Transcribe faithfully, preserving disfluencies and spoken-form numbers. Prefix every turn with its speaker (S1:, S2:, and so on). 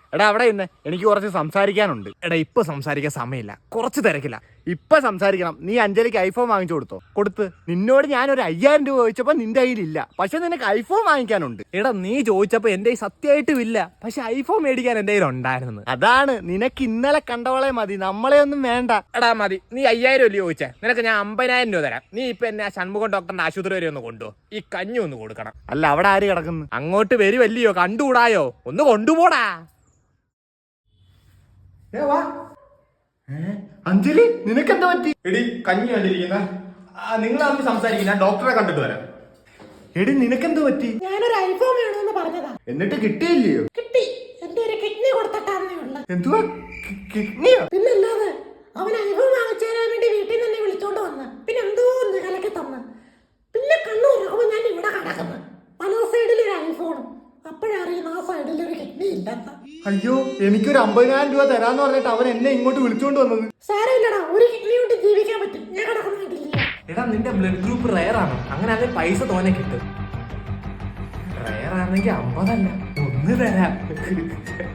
S1: എടാ അവിടെ ഇന്ന് എനിക്ക് കുറച്ച് സംസാരിക്കാനുണ്ട്.
S2: എടാ ഇപ്പൊ സംസാരിക്കാൻ സമയമില്ല, കുറച്ച് തിരക്കില്ല.
S1: ഇപ്പൊ സംസാരിക്കണം. നീ അഞ്ജലിക്ക് ഐഫോൺ വാങ്ങിച്ചു കൊടുത്തോ? കൊടുത്ത്. നിന്നോട് ഞാനൊരു അയ്യായിരം രൂപ ചോദിച്ചപ്പോ നിന്റെ കയ്യിലില്ല, പക്ഷെ നിനക്ക് ഐഫോൺ വാങ്ങിക്കാനുണ്ട്.
S2: എടാ നീ ചോദിച്ചപ്പോ എന്റെ കയ്യിൽ സത്യമായിട്ടും ഇല്ല, പക്ഷെ ഐഫോൺ മേടിക്കാൻ എന്റെ കയ്യിൽ ഉണ്ടായിരുന്നു.
S1: അതാണ്, നിനക്ക് ഇന്നലെ കണ്ടവളെ മതി, നമ്മളെ ഒന്നും വേണ്ട.
S2: എടാ മതി, നീ അയ്യായിരം അല്ലേ ചോദിച്ചേ, നിനക്ക് ഞാൻ അമ്പതിനായിരം രൂപ തരാം. നീ ഇപ്പൊ എന്നെ ഷൺമുഖം ഡോക്ടറിന്റെ ആശുപത്രി വരെ ഒന്ന് കൊണ്ടുപോ, ഈ കഞ്ഞി ഒന്ന് കൊടുക്കണം.
S1: അല്ല അവിടെ ആര് കിടക്കുന്നു?
S2: അങ്ങോട്ട് വരുമല്ലയോ, കണ്ടുകൂടായോ? ഒന്ന് കൊണ്ടുപോടാ.
S1: അഞ്ജലി നിനക്കെന്താ പറ്റി?
S2: എടി കഞ്ഞി കണ്ടിരിക്കുന്ന നിങ്ങൾ തമ്മിൽ സംസാരിക്കും, ഞാൻ ഡോക്ടറെ കണ്ടിട്ട് വരാം.
S1: എടി നിനക്കെന്താ പറ്റി?
S3: ഞാനൊരു ഐഫോൺ വേണമെന്ന് പറഞ്ഞതാ,
S1: എന്നിട്ട് കിട്ടിയില്ലയോ?
S3: കിട്ടി. എന്റെ ഒരു കിഡ്നി കൊടുത്തിട്ടാന്നേ ഉള്ളു.
S1: എന്തുവാ കിഡ്നിയോ?
S3: പിന്നല്ലാതെ അവൻ ഐഫോൺ വാങ്ങിച്ചു തരാൻ വേണ്ടി വീട്ടിൽ നിന്ന് വിളിച്ചോണ്ട് വന്ന്, പിന്നെ എന്തോ ഒന്ന് കലക്കി തന്ന്, പിന്നെ കണ്ണു തുറക്കുമ്പോ ഞാൻ ഇവിടെ കിടക്കുന്നു, പല സൈഡിൽ ഒരു ഐഫോണും. അപ്പോഴറിയുന്ന ആ സൈഡിൽ ഒരു കിഡ്നി ഇല്ലെന്ന്.
S1: അയ്യോ, എനിക്കൊരു അമ്പതിനായിരം രൂപ തരാന്ന് പറഞ്ഞിട്ട് അവൻ എന്നെ ഇങ്ങോട്ട് വിളിച്ചോണ്ട് വന്നത്.
S3: സാരമില്ലടാ, ഒരു കിഡ്നി കൊണ്ട് ജീവിക്കാൻ പറ്റും. ഞാൻ കിടക്കുന്ന വീട്ടിലില്ല.
S2: എടാ നിന്റെ ബ്ലഡ് ഗ്രൂപ്പ് റയർ ആണ്, അങ്ങനെ അതിൽ പൈസ തോനെ കിട്ടും. റയർ ആണെങ്കിൽ അമ്പതല്ല, ഒന്ന് തരാം.